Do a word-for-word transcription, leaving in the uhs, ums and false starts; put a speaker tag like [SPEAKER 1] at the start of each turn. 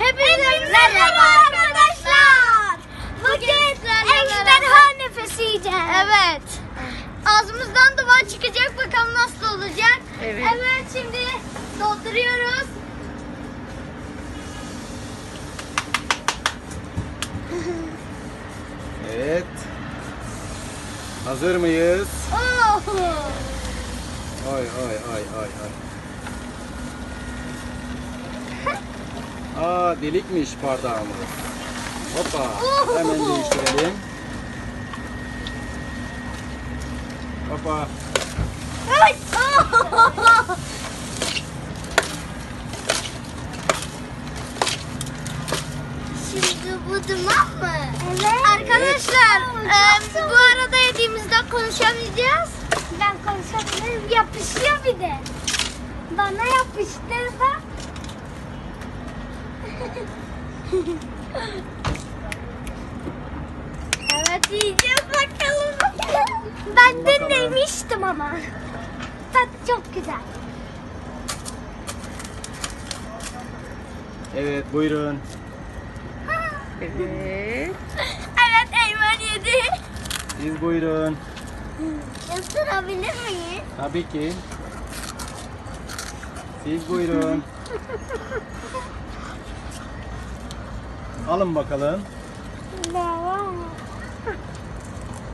[SPEAKER 1] Hepinize merhaba arkadaşlar. Bugün ejderha nefesi yiyeceğiz. Evet. Ağzımızdan duman çıkacak, bakalım nasıl olacak.
[SPEAKER 2] Evet.
[SPEAKER 1] Evet, şimdi dolduruyoruz.
[SPEAKER 3] Evet. Hazır mıyız?
[SPEAKER 1] Oh.
[SPEAKER 3] Ay ay ay ay ay. Aa, delikmiş bardağımız. Hoppa. Hemen değiştirelim. Hoppa.
[SPEAKER 1] Ay. Oh. Şimdi bu duman mı? Evet. Arkadaşlar,
[SPEAKER 3] Evet.
[SPEAKER 1] e, bu arada yediğimizde konuşamayacağız. Ben konuşabilirim. Yapışıyor bir de. Bana yapıştırdı. Evet, yiyeceğiz bakalım. Ben de
[SPEAKER 3] Bakalım.
[SPEAKER 1] demiştim ama. Tat çok güzel.
[SPEAKER 3] Evet, buyurun.
[SPEAKER 2] Evet.
[SPEAKER 1] Evet, Eymen yedi.
[SPEAKER 3] Siz buyurun.
[SPEAKER 1] Isırabilir miyiz?
[SPEAKER 3] Tabii ki. Siz buyurun. Alın bakalım.
[SPEAKER 1] Devam.